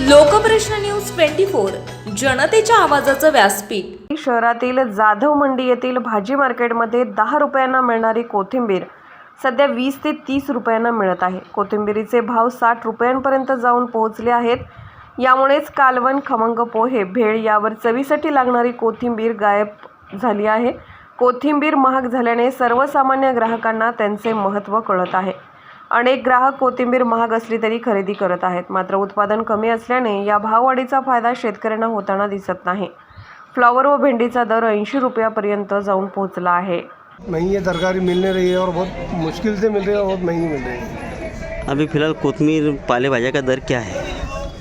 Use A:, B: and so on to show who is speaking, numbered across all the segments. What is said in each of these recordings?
A: लोकप्रश्न news 24 जनतेच्या आवाजाचं व्यासपीठ।
B: शहरातील जाधव मंडी येथील भाजी मार्केटमध्ये 10 रुपयांना मिळणारी कोथिंबीर सध्या 20 ते 30 रुपयांना मिळत आहे। कोथिंबीरीचे भाव 60 रुपयांपर्यंत जाऊन पोहोचले आहेत। यामुळेच कालवण, खमंग पोहे, भेळ यावर चवीसाठी लागणारी कोथिंबीर गायब झाली आहे। कोथिंबीर महाग झाल्याने सर्वसामान्य ग्राहकांना त्यांचे महत्त्व कळत आहे। अनेक ग्राहक कोथिंबीर महाग असली तरी खरेदी करत आहेत, मात्र उत्पादन कमी असल्याने या भाववाढीचा फायदा शेतकऱ्यांना होताना दिसत नाही। फ्लावर व भेंडीचा दर 80 रुपयापर्यंत जाऊन पोहोचला आहे।
C: महंगी ये तरकारी मिल नहीं रही है और बहुत मुश्किल से मिल रही है और बहुत महंगी मिल रही है।
D: अभी फ़िलहाल कोतमीर पाले भाजा का दर क्या है?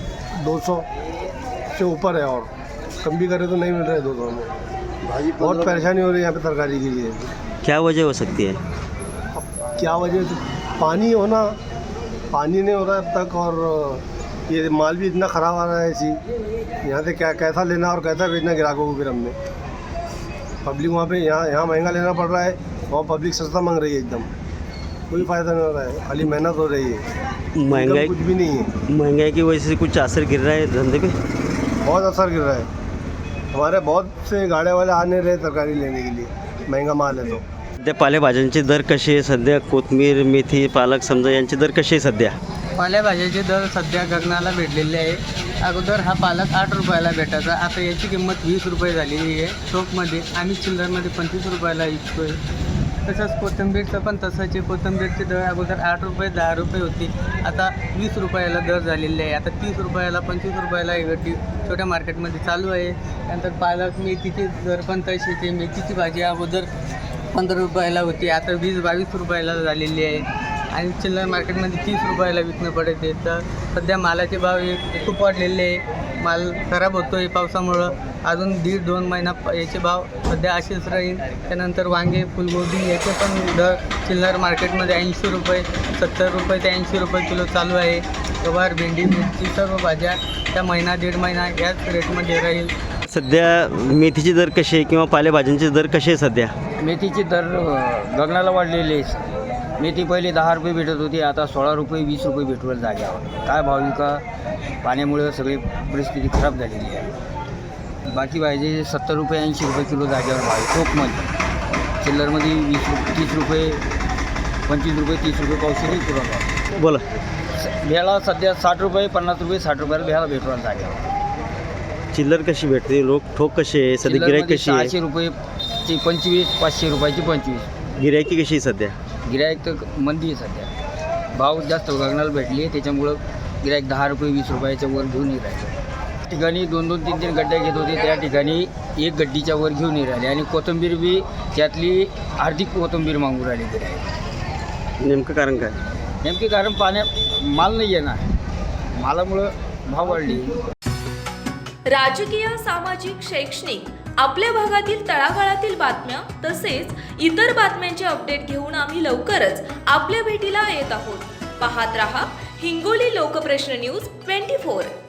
C: 200 से ऊपर है और कम भी करे तो नहीं मिल रहा है 200 में। बहुत परेशानी हो रही है यहाँ पे तरकारी के लिए।
D: क्या वजह हो सकती है?
C: अब क्या वजह, पानी होना, पानी नहीं हो रहा अब तक, और ये माल भी इतना ख़राब आ रहा है ऐसी। यहाँ से क्या कैसा लेना और कैसा बेचना ग्राहकों को फिर हमने। पब्लिक वहाँ पे यहाँ महंगा लेना पड़ रहा है, वहाँ पब्लिक सस्ता मांग रही है एकदम। कोई फ़ायदा नहीं हो रहा है, खाली मेहनत हो रही है,
D: महंगाई
C: कुछ भी नहीं है।
D: महंगाई की वजह से कुछ असर गिर रहा है धंधे पे?
C: बहुत असर गिर रहा है। हमारे बहुत से गाड़े वाले आ नहीं रहे तरकारी लेने के लिए, महंगा माल है तो।
D: सध्या पालेभाज्यांचे दर कसे आहे? सध्या कोथमीर, मेथी, पालक समजा यांचे दर कसे आहे सध्या?
E: पालेभाज्याचे दर सध्या गगनाला भेटलेले आहे। अगोदर हा पालक 8 रुपयाला भेटायचा, आता याची किंमत 20 रुपये झालेली आहे। शॉपमध्ये आम्ही चिल्लरमध्ये 25 रुपयाला विकतोय। तसंच कोथिंबीरचं पण तसंच आहे। कोथिंबीरची दर अगोदर 8 रुपये 10 रुपये होती, आता 20 रुपयाला दर झालेले आहे। आता 30 रुपयाला 25 रुपयाला छोट्या मार्केटमध्ये चालू आहे। त्यानंतर पालक, मेथीचे दर पण तशीच आहे। मेथीची भाजी अगोदर 15 रुपयाला होती, आता 20-22 रुपयाला झालेली आहे आणि चिल्लर मार्केटमध्ये 30 रुपयाला विकणं पडते। तर सध्या मालाचे भाव खूप वाढलेले आहे। माल खराब होतो आहे पावसामुळं। अजून 1.5-2 महिना याचे भाव सध्या असेच राहील। त्यानंतर वांगे, फुलगोबी याचे पण दर चिल्लर मार्केटमध्ये 80 रुपये, 70 रुपये ते 80 रुपये किलो चालू आहे। गवार, भेंडी, मिरची सर्व भाज्या त्या महिना 1.5 महिना याच रेटमध्ये राहील।
D: सध्या मेथीचे दर कसे आहे किंवा पालेभाज्यांचे दर कसे आहे सध्या?
F: मेथीचे दर गगनाला वाढलेले आहे। मेथी पहिले 10 रुपये भेटत होती, आता 16 रुपये 20 रुपये भेटवर जाग्यावर। काय भाविका पाण्यामुळे सगळी परिस्थिती खराब झालेली आहे। बाकी भाजी 70 रुपये 80 रुपये किलो जाग्यावर भाव आहे। टोकमध्ये चिल्लरमध्ये 30 रुपये 25 रुपये 30 रुपये पावशेरी पुरवठा।
D: बोला।
F: भेळा सध्या 60 रुपये 50 रुपये 60 रुपयाला भेळा भेटवर जाग्यावर।
D: चिल्लर कशी भेटते? लोक ठोक कसे आहे सध्या? गिराईक कशी आहे?
F: 600 रुपयेची 25, 500 रुपयाची 25।
D: गिराईकी कशी आहे सध्या?
F: गिराईक तर मंदी आहे सध्या, भाव जास्त गगनाला भेटली आहे। त्याच्यामुळं गिराईक 10 रुपये 20 रुपयाच्या वर घेऊन येत राहिले। ठिकाणी 2-2, 3-3 गड्ड्या घेत होते, त्या ठिकाणी 1 गड्डीच्या वर घेऊन येत राहिले आणि कोथिंबीर बी त्यातली अर्धी कोथिंबीर मागून राहिली गिराईक।
D: नेमकं कारण काय?
F: नेमके कारण माल नाही आहे ना, मालामुळं भाव वाढली।
A: राजकीय, सामाजिक, शैक्षणिक आपल्या भागातील तळागाळातील बातम्या तसेच इतर बातम्यांचे अपडेट घेऊन आम्ही लवकरच आपल्या भेटीला येत आहोत। पाहत रहा हिंगोली लोकप्रश्न न्यूज 24।